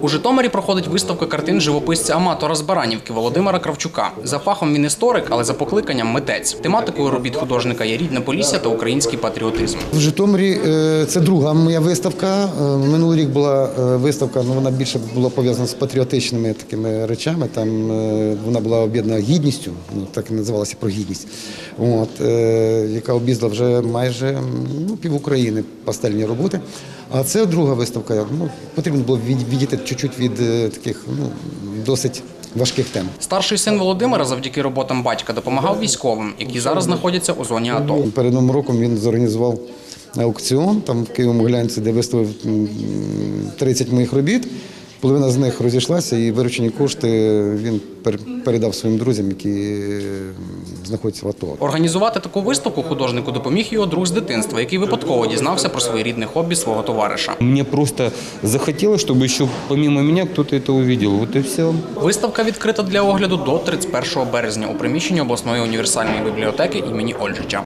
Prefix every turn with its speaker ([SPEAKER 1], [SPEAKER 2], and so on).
[SPEAKER 1] У Житомирі проходить виставка картин живописця-аматора з Баранівки Володимира Кравчука. За фахом він історик, але за покликанням митець. Тематикою робіт художника є рідне Полісся та український патріотизм.
[SPEAKER 2] В Житомирі це друга моя виставка. Минулий рік була виставка, вона більше була пов'язана з патріотичними такими речами. Там вона була об'єднана гідністю, так і називалася про гідність, яка об'їздила вже майже пів України пастельні роботи. А це друга виставка. Потрібно було відійти чуть-чуть від таких досить важких тем.
[SPEAKER 1] Старший син Володимира завдяки роботам батька допомагав військовим, які зараз знаходяться у зоні АТО.
[SPEAKER 2] Перед Новим роком він зорганізував аукціон там в Києво-Могилянці, де виставив 30 моїх робіт. Половина з них розійшлася і виручені кошти він передав своїм друзям, які знаходяться в АТО.
[SPEAKER 1] Організувати таку виставку художнику допоміг його друг з дитинства, який випадково дізнався про своєрідне хобі свого товариша.
[SPEAKER 3] Мені просто захотілося, щоб ще помимо мене хтось це побачив. От і все.
[SPEAKER 1] Виставка відкрита для огляду до 31 березня у приміщенні обласної універсальної бібліотеки імені Ольжича.